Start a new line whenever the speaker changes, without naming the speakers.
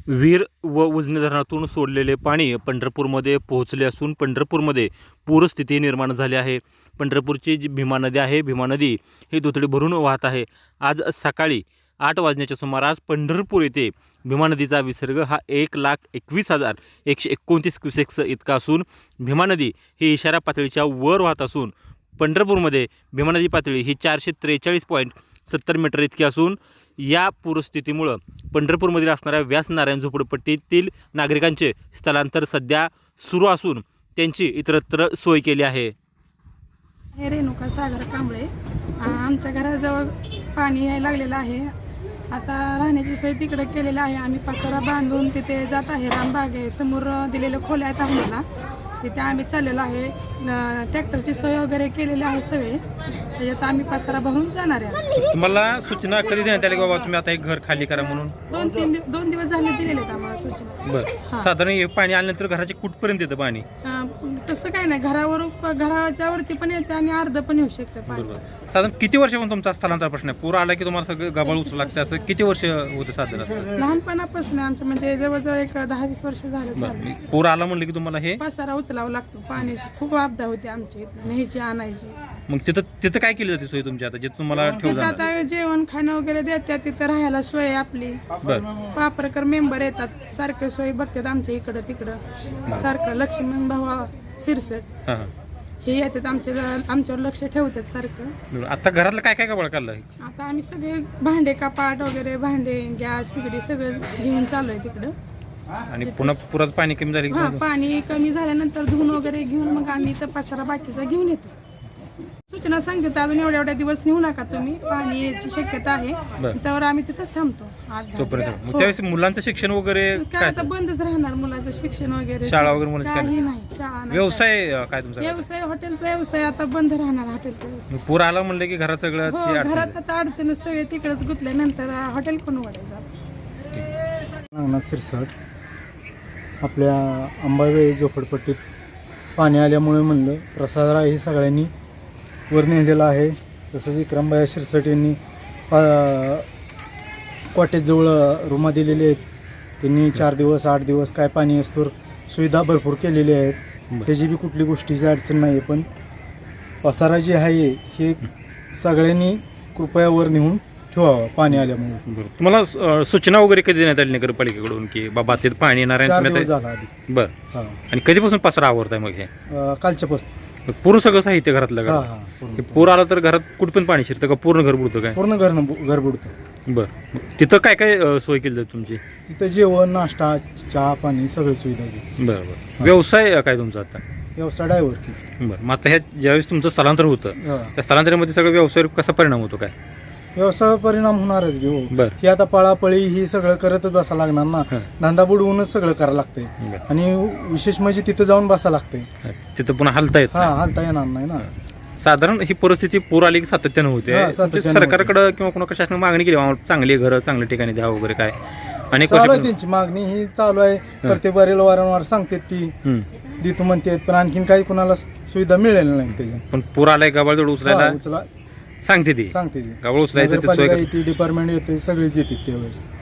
वीर व उजनी धरणातून सोडलेले पाणी पंढरपूरमध्ये पोहोचले असून पंढरपूरमध्ये पूरस्थिती निर्माण झाली आहे. पंढरपूरची जी भीमा नदी आहे, भीमा नदी ही दुथडी भरून वाहत आहे. आज सकाळी 8 वाजण्याच्या सुमारास पंढरपूर येथे भीमा नदीचा विसर्ग हा 1,21,129 क्युसेक्स इतका असून भीमा नदी ही इशारा पातळीच्या वर वाहत असून पंढरपूरमध्ये भीमा नदी पातळी ही 443.70 मीटर इतकी असून या पूरस्थितीमुळं पंढरपूरमधील असणाऱ्या व्यास नारायण झोपडपट्टीतील नागरिकांचे स्थलांतर सध्या सुरू असून त्यांची इतरत्र सोय केली आहे.
हे रेणुका सागर कांबळे, आमच्या घराजवळ पाणी यायला लागलेलं आहे. आता राहण्याची सोय तिकडे केलेली आहे. आम्ही पसारा बांधून तिथे जात आहे. रामबाग आहे समोर दिलेलं खोल्या आहेत आम्हाला, तिथे आम्ही चाललेलो आहे. ट्रॅक्टरची सोय वगैरे केलेली आहे सगळे. त्याच्यात आम्ही पसारा भरून जाणार आहे.
तुम्हाला सूचना कधी देण्यात आली बाबा तुम्ही आता एक घर खाली करा म्हणून?
2 दिवस झाले दिलेले आहेत आम्हाला सूचना.
बरं, साधारण हे पाणी आल्यानंतर घराचे कुठपर्यंत येतं पाणी?
तसं काय नाही, घराच्या वरती पण येते आणि अर्ध पण येऊ शकतं पाणी.
साधारण किती वर्षापासून तुमचा स्थलांतर प्रश्न आहे? पूर आला की तुम्हाला सगळं गबाळ उचलू लागतं, असं किती वर्ष होतं साधारण?
लहानपणापासून आमचं म्हणजे जवळजवळ एक 10-20 वर्ष झालं.
पूर आला म्हणलं की तुम्हाला हे
पसारा उचलावा लागतो. पाण्याची खूप आपदा होती आमची, न्यायची आणायची.
मग तिथं काय केली जाते सोय तुमची आता जे तुम्हाला ठेवलं?
आता जेवण खाणं वगैरे देतात, तिथं राहायला सोय आहे आपली. वापरकर मेंबर येतात, सारखं सोय बघतात आमच्या इकडं तिकडं. सारखं लक्ष्मण भावा सिरसट हे येतात आमच्यावर लक्ष ठेवतात सारखं.
आता घरातलं काय काय गबाळ काढलं?
आता आम्ही सगळे भांडे कपाट वगैरे, भांडे गॅस सिगडी सगळं घेऊन चालू आहे तिकडं.
आणि पुन्हा पुराचं पाणी कमी झालं?
पाणी कमी झाल्यानंतर धुवून वगैरे घेऊन मग आम्ही तर पसारा बाकीचा घेऊन येतो. सूचना सांगते अजून एवढ्या दिवस नेऊ नका तुम्ही, पाणी याची शक्यता आहे. त्यावर आम्ही तिथंच थांबतो
तोपर्यंत. त्यावेळेस मुलांचं शिक्षण वगैरे
काय आता बंदच राहणार, मुलाचं शिक्षण वगैरे
शाळा वगैरे
काही नाही. शाळा
व्यवसाय काय तुमचा?
व्यवसाय हॉटेलचा व्यवसाय आता बंद राहणार. हॉटेलचा व्यवसाय
पूर आला म्हणलं की घरात सगळं
घरात आता अडचण सगळे तिकडेच गुतल्यानंतर हॉटेल कोण उघडायचं?
आपल्या अंबाबाई झोपडपट्टीत पाणी आल्यामुळे म्हणलं प्रसादराव हे सगळ्यांनी वर नेलेलं आहे. तसंच विक्रमबाई शिरसट यांनी कॉटेजजवळ रूमा दिलेले आहेत. त्यांनी 4 दिवस 8 दिवस काय पाणी असतो सुविधा भरपूर केलेली आहेत. त्याची बी कुठली गोष्टीची अडचण नाही. पण पसारा जी आहे हे सगळ्यांनी कृपया वर नेऊन ठेवावं पाणी आल्यामुळे.
तुम्हाला सूचना वगैरे कधी देण्यात आली नगरपालिकेकडून की बाबा ते पाणी येणार आहे?
4 दिवस झाला आधी.
बरं. आणि कधीपासून पसारा आवरताय मग हे?
कालच्यापासून
पूर्ण सगळं साहित्य घरातलं का? पूर आला तर घरात कुठं पण पाणी शिरतं का? पूर्ण घर बुडतं काय?
पूर्ण घर बुडतं.
बरं. तिथं काय काय सोय केली जाते तुमची?
तिथं जेवण नाश्ता चहा पाणी सगळी सुविधा आहे.
बरं. व्यवसाय काय तुमचा आता?
व्यवसाय ड्रायव्हर की.
बरं. मग आता ह्या ज्यावेळेस तुमचं स्थलांतर होतं त्या स्थलांतरामध्ये सगळं व्यवसाय कसा परिणाम होतो काय?
व्यवसाय परिणाम होणारच घेऊ.
बरं.
ही आता पळापळी ही सगळं करतच बसा लागणार ना. धंदा बुडवूनच सगळं करायला लागतंय. आणि विशेष म्हणजे तिथं जाऊन बसा लागतंय.
तिथं पुन्हा हलता येत?
हलता येणार नाही ना.
साधारण ही परिस्थिती पूर आली की सातत्यानं होते. सरकारकडे किंवा कोणा कशाने मागणी केली चांगली घरं चांगल्या ठिकाणी द्या वगैरे काय? आणि
त्यांची मागणी ही चालू आहे. प्रत्येक बारीला वारंवार सांगतात ती देतो म्हणतात, पण आणखीन काही कुणाला सुविधा मिळेल नाही त्याची.
पण पूर आलाय गबाळ जोड उचलायला सांगते ती
सांगते
गबाळ उचलायचं
डिपार्टमेंट येते सगळेच येते त्यावेळेस.